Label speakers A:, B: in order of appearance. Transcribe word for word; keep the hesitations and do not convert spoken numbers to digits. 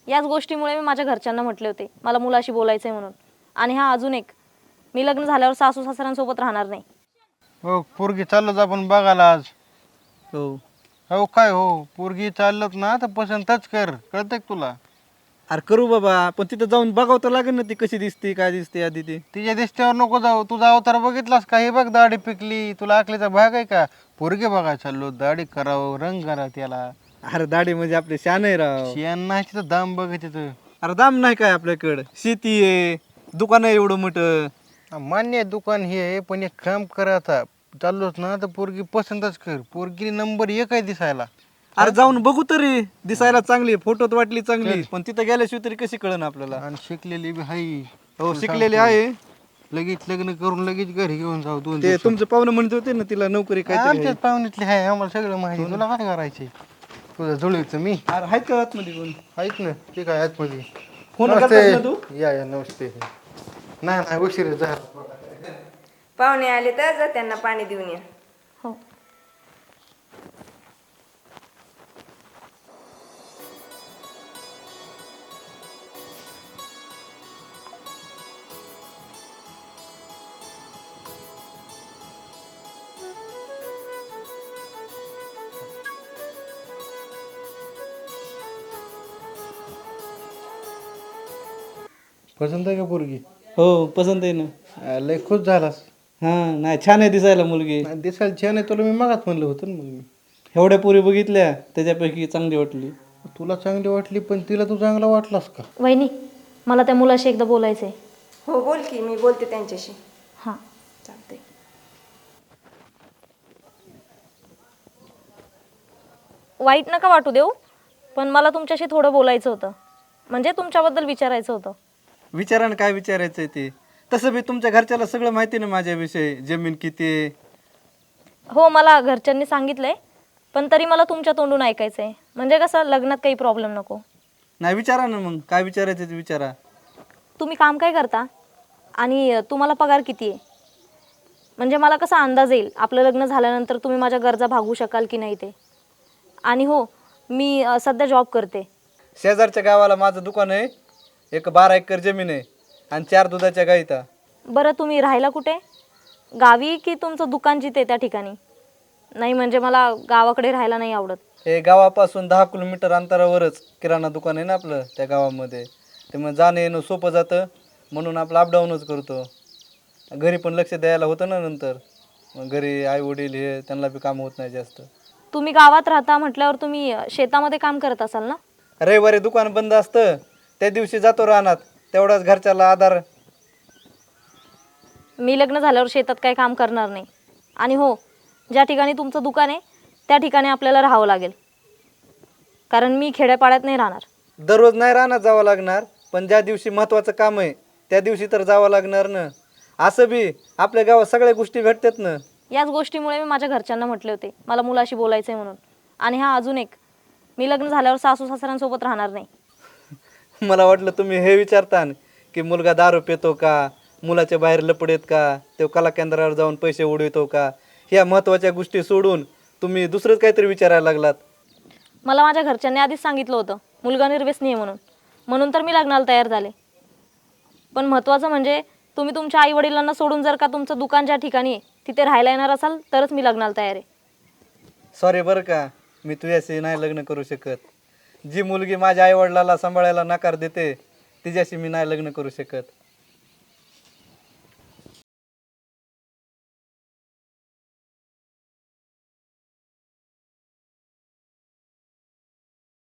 A: याच गोष्टीमुळे मी माझ्या घरच्यांना म्हटले होते मला मुलाशी बोलायचं आहे म्हणून. आणि हा अजून एक, मी लग्न झाल्यावर सासू सासऱ्यांसोबत राहणार नाही.
B: हो पोरगी चाललोच आपण बघायला आज.
C: हो.
B: हो काय हो पोरगी चाललत ना तर पसंतच कर, कळतंय का तुला?
C: अरे करू बाबा, पण तिथं जाऊन बघावं तर लागेल ना ती कशी दिसते काय दिसते आधी ती.
B: तिच्या दिसत्यावर नको जाऊ, तुझा अवतार बघितलास का? हे बघ दाढी पिकली, तुला अकलीचा भाग आहे का? पोरगी बघायला चाललो, दाढी करावं, रंग करा त्याला.
C: अरे दाढी म्हणजे आपले शान आहे राव.
B: शियान नाही तिथं दाम बघ तिथं.
C: अरे दाम नाही काय आपल्याकडं, शेती आहे, दुकान आहे एवढं मोठं.
B: मान्य आहे दुकान हे आहे, पण एक काम कर आता, चाललोच ना तर पोरगी पसंतच कर. पोरगी नंबर एक आहे दिसायला.
C: अरे जाऊन बघू तरी, दिसायला चांगली, फोटोत वाटली चांगली, पण तिथं गेल्याशिवाय तरी कशी कळन आपल्याला.
B: आणि शिकलेली बी हाई.
C: हो शिकलेली आहे.
B: लगेच लग्न करून लगेच घरी घेऊन जाऊ दोन
C: ते तुमचं पाहुणं म्हणत होते ना तिला नोकरी काय
B: आमच्याच पाहुण्यातली आहे, आम्हाला सगळं माहिती. तुला काय करायचे? तुझं जुळवीचं मी
C: अरे आहेत का आतमध्ये कोण?
B: ऐक ना, ते काय आतमध्ये
C: फोन
B: नमस्ते.
C: करतास ना तू?
B: या या नमस्ते. नाही नाही उशीर झाला.
D: पाहुणे आले तर जा त्यांना पाणी देऊन या.
A: हो.
B: पसंत आहे का पोरगी?
C: हो पसंत आहे ना.
B: आ, लय खुश झालास.
C: हा नाही छान आहे दिसायला मुलगी.
B: नाही, दिसायला छान आहे, तुला मी मागात म्हणलं होतं ना. मग मी
C: एवढ्या पुरी बघितल्या त्याच्यापैकी चांगली वाटली.
B: तुला चांगली वाटली, पण तिला तू चांगला वाटलास का?
A: वहिनी, मला त्या मुलाशी एकदा बोलायचं आहे.
D: हो बोल की, मी बोलते त्यांच्याशी.
A: हां.
D: चालते.
A: वाईट नका वाटू देऊ, पण मला तुमच्याशी थोडं बोलायचं होतं, म्हणजे तुमच्याबद्दल विचारायचं होतं.
C: विचारानं काय विचारायचं आहे ते. तसं बी तुमच्या घरच्याला सगळं माहिती ना माझ्याविषयी, जमीन किती आहे.
A: हो मला घरच्यांनी सांगितलंय, पण तरी मला तुमच्या तोंडून ऐकायचं आहे, म्हणजे कसं लग्नात काही प्रॉब्लेम नको.
C: नाही विचारा ना मग, काय विचारायचं ते विचारा.
A: तुम्ही काम काय करता आणि तुम्हाला पगार किती आहे, म्हणजे मला कसा अंदाज येईल आपलं लग्न झाल्यानंतर तुम्ही माझ्या गरजा भागवू शकाल की नाही ते. आणि हो मी अ, सध्या जॉब करते.
C: शेजारच्या गावाला माझं दुकान आहे, एक बारा एकर जमीन आहे आणि चार दुधाच्या गाई आहेत.
A: बरं तुम्ही राहायला कुठे, गावी की तुमचं दुकान जिथे त्या ठिकाणी? नाही म्हणजे मला गावाकडे राहायला नाही आवडत.
C: हे गावापासून दहा किलोमीटर अंतरावरच किराणा दुकान आहे ना आपलं त्या गावामध्ये. ते मग जाणं येणं सोपं जातं, म्हणून आपलं अपडाऊनच करतो. घरी पण लक्ष द्यायला होतं ना नंतर, मग घरी आई वडील हे त्यांना बी काम होत नाही जास्त.
A: तुम्ही गावात राहता म्हटल्यावर तुम्ही अ, शेतामध्ये काम करत असाल ना?
C: रविवारी दुकान बंद असतं, त्या दिवशी जातो रानात, तेवढाच घरच्याला आधार.
A: मी लग्न झाल्यावर शेतात काही काम करणार नाही. आणि हो ज्या ठिकाणी तुमचं दुकान आहे त्या ठिकाणी आपल्याला राहावं लागेल, कारण मी खेड्यापाड्यात नाही राहणार.
C: दररोज नाही रानात जावं लागणार, पण ज्या दिवशी महत्त्वाचं काम आहे त्या दिवशी तर जावं लागणार ना. असं बी आपल्या गावात सगळ्या गोष्टी भेटतात ना.
A: याच गोष्टीमुळे मी माझ्या घरच्यांना म्हटले होते मला मुलाशी बोलायचं आहे म्हणून. आणि हा अजून एक, मी लग्न झाल्यावर सासू सासऱ्यांसोबत राहणार नाही.
C: मला वाटलं तुम्ही हे विचारता की मुलगा दारू पितो का, मुलाच्या बाहेर लपडेत का, तो कला केंद्रावर जाऊन पैसे उडवितो का, ह्या महत्त्वाच्या गोष्टी सोडून तुम्ही दुसरंच काहीतरी विचारायला लागलात.
A: मला माझ्या घरच्यांनी आधीच सांगितलं होतं मुलगा निर्व्यसनी आहे म्हणून, म्हणून तर मी लग्नाला तयार झाले. पण महत्त्वाचं म्हणजे तुम्ही तुमच्या आई वडिलांना सोडून जर का तुमचं दुकान ज्या ठिकाणी आहे तिथे राहायला येणार असाल तरच मी लग्नाला तयार आहे.
C: सॉरी बरं का, मी तुझ्याशी नाही लग्न करू शकत. जी मुलगी माझ्या आईवडिलाला सांभाळायला नकार देते तिच्याशी मी नाही लग्न करू शकत.